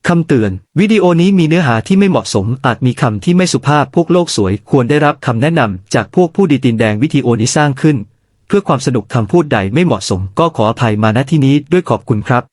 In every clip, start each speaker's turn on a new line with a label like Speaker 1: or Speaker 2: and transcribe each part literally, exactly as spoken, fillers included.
Speaker 1: คำเตือนวิดีโอนี้มีเนื้อหาที่ไม่เหมาะสมอาจมีคำที่ไม่สุภาพพวกโลกสวยควรได้รับคำแนะนำจากพวกผู้ดีตีนแดงวิดีโอนี้สร้างขึ้นเพื่อความสนุกคำพูดใดไม่เหมาะสมก็ขออภัยมาณที่นี้ด้วยขอบคุณครับ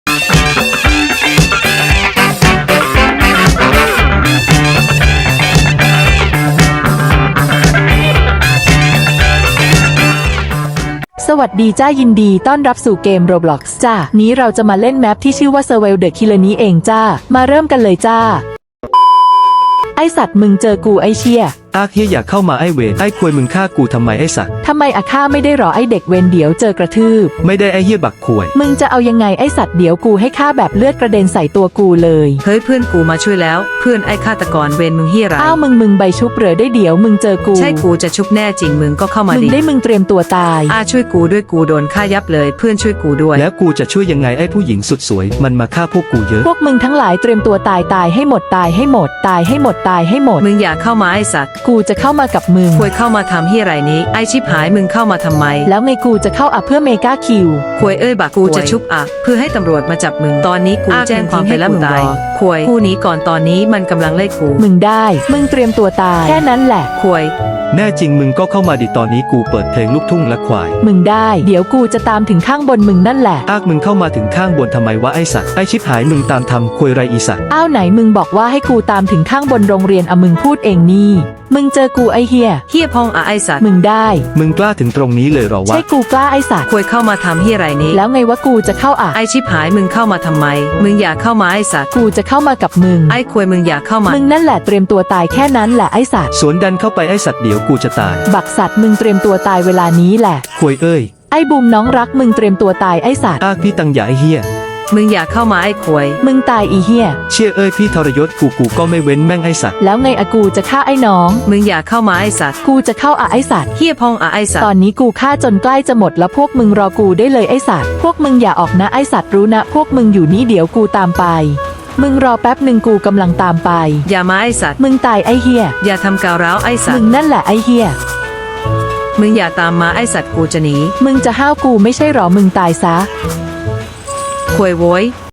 Speaker 2: สวัสดีจ้ายินดีต้อนรับสู่เกม Roblox จ้านี้เราจะมาเล่นแมปที่ชื่อว่า Survival the Killer นี้เองจ้ามาเริ่มกันเลยจ้าไอสัตว์มึงเจอกูไอเชี่ย
Speaker 1: อากเฮียอยากเข้ามาไอเวรไอควยมึงฆ่ากูทำไมไอสัตว์
Speaker 2: ทำไมอาข้าไม่ได้หรอไอเด็กเวนเดี๋ยวเจอกระทืบ
Speaker 1: ไม่ได้ไอเฮียบักควย
Speaker 2: มึงจะเอายังไงไอสัตว์เดี๋ยวกูให้ฆ่าแบบเลือดกระเด็นใส่ตัวกูเลย
Speaker 3: เฮ้ยเพื่อนกูมาช่วยแล้วเพื่อนไอฆาตกรเวรมึงเฮียไร
Speaker 2: อ้าวมึงมึงใบชุบเหรอได้เดี๋ยวมึงเจอกู
Speaker 3: ใช่กูจะชุบแน่จริงมึงก็เข้ามาดิ
Speaker 2: มึงได้มึงเตรียมตัวตาย
Speaker 3: อาช่วยกูด้วยกูโดนฆ่ายับเลยเพื่อนช่วยกูด้วย
Speaker 1: แล้วกูจะช่วยยังไงไอผู้หญิงสุดสวยมันมาฆ่าพวกกูเยอะ
Speaker 2: พวกมึงทั้งหลายเตรียมตัวตายตายให้หมดตายให้หมดตายให้หมดตายให้หมด
Speaker 3: มึงอย่าเข้ามาไอสัตว์
Speaker 2: กูจะเข้ามากับมึง
Speaker 3: ควยเข้ามาทำเฮียไรนี้ไอชิบหายมึงเข้ามาทำไม
Speaker 2: แล้วไงกูจะเข้าอ่ะเพื่อเมกาคิว
Speaker 3: ควยเอ้ยบักกูจะชุบอ่ะเพื่อให้ตำรวจมาจับมึงตอนนี้กูแจ้งความไปแล้วมึงตายควยผู้นี้ก่อนตอนนี้มันกำลังไล่กู
Speaker 2: มึงได้มึงเตรียมตัวตายแค่นั้นแหละ
Speaker 3: ควย
Speaker 1: แน่จริงมึงก็เข้ามาดิตอนนี้กูเปิดเพลงลูกทุ่งและควาย
Speaker 2: มึงได้เดี๋ยวกูจะตามถึงข้างบนมึงนั่นแหละ
Speaker 1: อากมึงเข้ามาถึงข้างบนทำไมวะไอสัตว์ไอชิบหายมึงตามทำควยไรอีสัตว์
Speaker 2: อ้าวไหนมึงบอกว่าให้กูตามถึงข้างบนโรงเรียนอะมึงพูดเองนี่มึงเจอกูไอเฮีย
Speaker 3: เฮียพองอะไอสัตว์
Speaker 2: มึงได้
Speaker 1: มึงกล้าถึงตรงนี้เลยหรอวะ
Speaker 2: ใช่กูกล้าไอสัตว์
Speaker 3: ควยเข้ามาทำเฮียไรนี้
Speaker 2: แล้วไงวะกูจะเข้าอ่ะ
Speaker 3: ไอชิบหายมึงเข้ามาทำไมมึงอย่าเข้ามาไอสัตว์
Speaker 2: กูจะเข้ามากับมึง
Speaker 3: ไอควยมึงอย่าเข้ามา
Speaker 2: มึงนั่นแหละเตรียมตัวตายแค่นั้นแหละไอสัตว์
Speaker 1: สวนดันเข้าไปไอสัตว์เดี๋ยวกูจะตาย
Speaker 2: บักสัตว์มึงเตรียมตัวตายเวลานี้แหละ
Speaker 1: ควยเอ้ย
Speaker 2: ไอบูมน้องรักมึงเตรียมตัวตายไอสัตว์
Speaker 1: อากพี่ตังอย่าไอเฮีย
Speaker 3: มึงอย่าเข้ามาไอ้ควย
Speaker 2: มึงตายอีเฮีย
Speaker 1: เชี่ยเอ้ยพี่ทรยศกูกูก็ไม่เว้นแม่งไอสัตว์
Speaker 2: แล้วไงอะกูจะฆ่าไอ้น้อง
Speaker 3: มึงอย่าเข้ามาไอ้สัตว์
Speaker 2: กูจะเข้าอะไอ้สัตว์
Speaker 3: เฮียพองอะไอ้สัตว์
Speaker 2: ตอนนี้กูฆ่าจนใกล้จะหมดแล้วพวกมึงรอกูได้เลยไอ้สัตว์พวกมึงอย่าออกนะไอ้สัตว์รู้นะพวกมึงอยู่นี่เดี๋ยวกูตามไปมึงรอแป๊บหนึ่งกูกำลังตามไป
Speaker 3: อย่ามาไอ้สัตว์
Speaker 2: มึงตายไอ้เฮีย
Speaker 3: อย่าทำกาวร้าวไอ้สัตว์
Speaker 2: มึงนั่นแหละไอ้เฮีย
Speaker 3: มึงอย่าตามมาไอ้สัตว์กูจะหนี
Speaker 2: มึงจะห้าวกูไม่ใช่หรอมึงตายซะ
Speaker 3: ควยโว้ย